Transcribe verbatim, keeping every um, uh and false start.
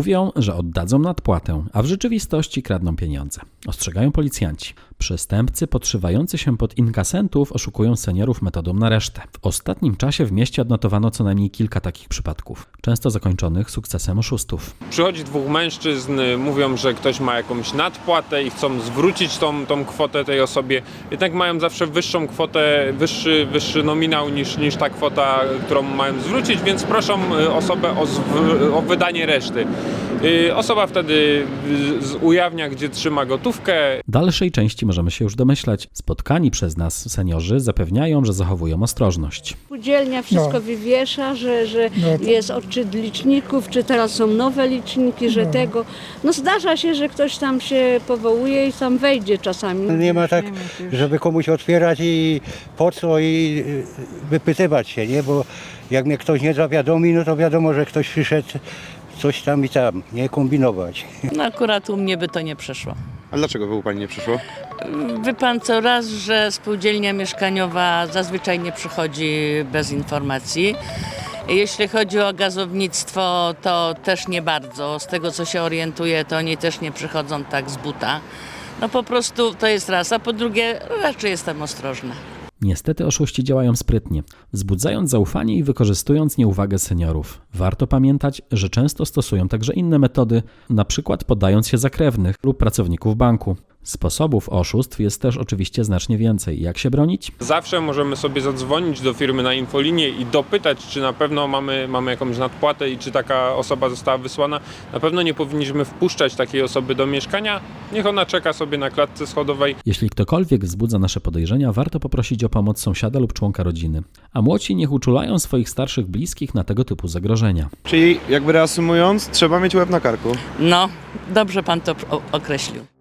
Mówią, że oddadzą nadpłatę, a w rzeczywistości kradną pieniądze. Ostrzegają policjanci. Przestępcy podszywający się pod inkasentów oszukują seniorów metodą na resztę. W ostatnim czasie w mieście odnotowano co najmniej kilka takich przypadków, często zakończonych sukcesem oszustów. Przychodzi dwóch mężczyzn, mówią, że ktoś ma jakąś nadpłatę i chcą zwrócić tą, tą kwotę tej osobie. Jednak mają zawsze wyższą kwotę, wyższy, wyższy nominał niż, niż ta kwota, którą mają zwrócić, więc proszą osobę o, zw- o wydanie reszty. Osoba wtedy ujawnia, gdzie trzyma gotówkę. Dalszej części możemy się już domyślać. Spotkani przez nas seniorzy zapewniają, że zachowują ostrożność. Spółdzielnia wszystko No. wywiesza, że, że No to- jest odczyt liczników, czy teraz są nowe liczniki, że No. tego. No zdarza się, że ktoś tam się powołuje i tam wejdzie czasami. Nie ma tak, żeby komuś otwierać i po co i wypytywać się, nie? Bo jak mnie ktoś nie zawiadomi, no to wiadomo, że ktoś przyszedł coś tam i tam, nie kombinować. No akurat u mnie by to nie przeszło. A dlaczego by u Pani nie przyszło? Wie pan co raz, że spółdzielnia mieszkaniowa zazwyczaj nie przychodzi bez informacji. Jeśli chodzi o gazownictwo, to też nie bardzo. Z tego co się orientuję, to oni też nie przychodzą tak z buta. No po prostu to jest raz, a po drugie raczej jestem ostrożna. Niestety oszuści działają sprytnie, wzbudzając zaufanie i wykorzystując nieuwagę seniorów. Warto pamiętać, że często stosują także inne metody, na przykład podając się za krewnych lub pracowników banku. Sposobów oszustw jest też oczywiście znacznie więcej. Jak się bronić? Zawsze możemy sobie zadzwonić do firmy na infolinię i dopytać, czy na pewno mamy, mamy jakąś nadpłatę i czy taka osoba została wysłana. Na pewno nie powinniśmy wpuszczać takiej osoby do mieszkania. Niech ona czeka sobie na klatce schodowej. Jeśli ktokolwiek wzbudza nasze podejrzenia, warto poprosić o pomoc sąsiada lub członka rodziny. A młodsi niech uczulają swoich starszych bliskich na tego typu zagrożenia. Czyli jakby reasumując, trzeba mieć łeb na karku. No, dobrze pan to określił.